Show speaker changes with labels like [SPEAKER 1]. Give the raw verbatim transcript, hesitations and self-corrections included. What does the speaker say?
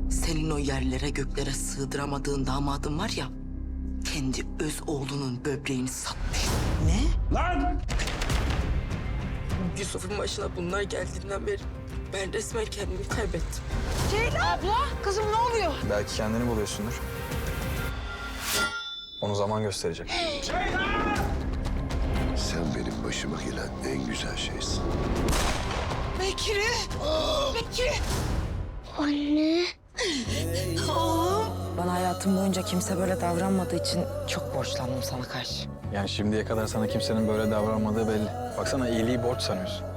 [SPEAKER 1] Senin o yerlere göklere sığdıramadığın damadın var ya, kendi öz oğlunun böbreğini satmış.
[SPEAKER 2] Ne?
[SPEAKER 3] Lan!
[SPEAKER 1] Yusuf'un başına bunlar geldiğinden beri ben resmen kendimi kaybettim.
[SPEAKER 2] Kızım ne oluyor?
[SPEAKER 4] Belki kendini buluyorsundur. Onu zaman gösterecek.
[SPEAKER 5] Sen benim başıma gelen en güzel şeysin.
[SPEAKER 2] Bekri! Bekri!
[SPEAKER 6] Bana hayatım boyunca kimse böyle davranmadığı için çok borçlandım sana karşı.
[SPEAKER 4] Yani şimdiye kadar sana kimsenin böyle davranmadığı belli. Baksana iyiliği borç sanıyorsun.